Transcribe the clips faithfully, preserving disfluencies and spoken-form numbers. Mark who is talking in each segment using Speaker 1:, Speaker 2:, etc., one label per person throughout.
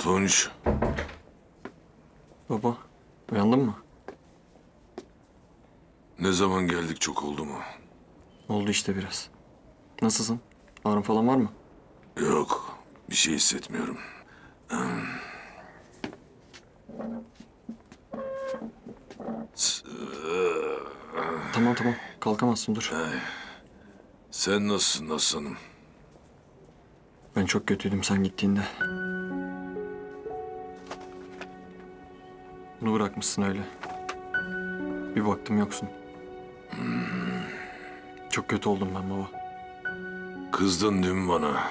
Speaker 1: Tunç,
Speaker 2: Baba, uyandın mı?
Speaker 1: ne zaman geldik çok oldu mu?
Speaker 2: Oldu işte biraz. Nasılsın? Ağrın falan var mı?
Speaker 1: Yok, bir şey hissetmiyorum.
Speaker 2: Tamam tamam, kalkamazsın dur.
Speaker 1: Sen nasılsın aslanım?
Speaker 2: Ben çok kötüydüm sen gittiğinde. Bunu bırakmışsın öyle. Bir baktım yoksun. Çok kötü oldum ben baba.
Speaker 1: Kızdın değil mi bana?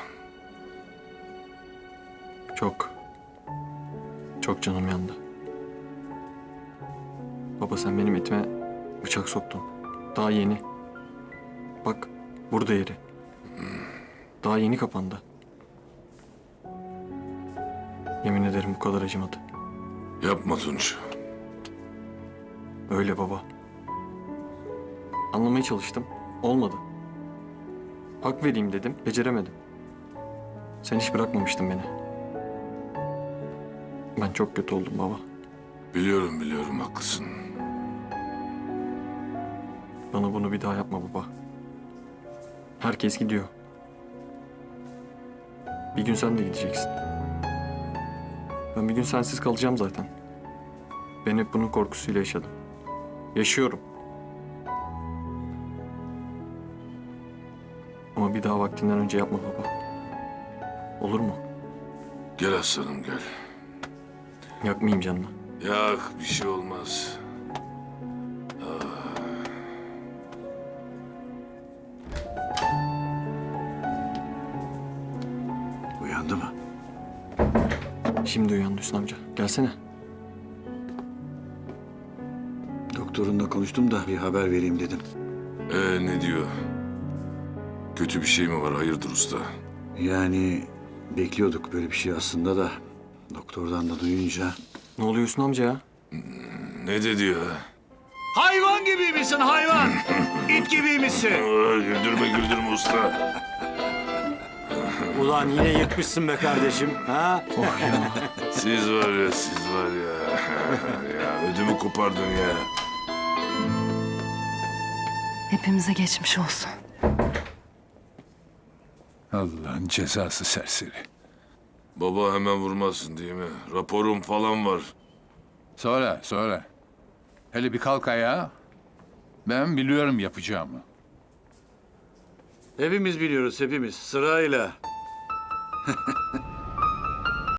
Speaker 2: Çok. Çok canım yandı. Baba sen benim etime bıçak soktun. Daha yeni. Bak burada yeri. Daha yeni kapandı. Yemin ederim bu kadar acımadı.
Speaker 1: Yapma Tunç.
Speaker 2: Öyle baba. Anlamaya çalıştım. Olmadı. Hak vereyim dedim. Beceremedim. Sen hiç bırakmamıştın beni. Ben çok kötü oldum baba.
Speaker 1: Biliyorum biliyorum haklısın.
Speaker 2: Bana bunu bir daha yapma baba. Herkes gidiyor. Bir gün sen de gideceksin. Ben bir gün sensiz kalacağım zaten. Ben hep bunun korkusuyla yaşadım. Yaşıyorum. Ama bir daha vaktinden önce yapma baba. Olur mu?
Speaker 1: Gel aslanım gel.
Speaker 2: Yakmayayım canını.
Speaker 1: Yak bir şey olmaz.
Speaker 3: Uyandı mı?
Speaker 2: Şimdi uyandı Hüsnü amca. Gelsene.
Speaker 3: Doktorunla konuştum da bir haber vereyim dedim.
Speaker 1: Ee ne diyor? Kötü bir şey mi var hayırdır usta?
Speaker 3: Yani bekliyorduk böyle bir şey aslında da doktordan da duyunca.
Speaker 2: Ne oluyor Hüsnü amca ya?
Speaker 1: Ne dedi ya?
Speaker 3: Hayvan gibiymişsin hayvan. İt gibiymişsin.
Speaker 1: Aa, güldürme güldürme usta.
Speaker 4: Ulan yine yırtmışsın be kardeşim. Ha?
Speaker 1: Siz var ya siz var ya. Ya ödümü kopardın ya.
Speaker 5: Hepimize geçmiş olsun.
Speaker 6: Allah'ın cezası serseri.
Speaker 1: Baba hemen vurmazsın değil mi? Raporum falan var.
Speaker 6: Sonra, sonra. Hele bir kalk ayağa. Ben biliyorum yapacağımı.
Speaker 3: Hepimiz biliyoruz hepimiz sırayla.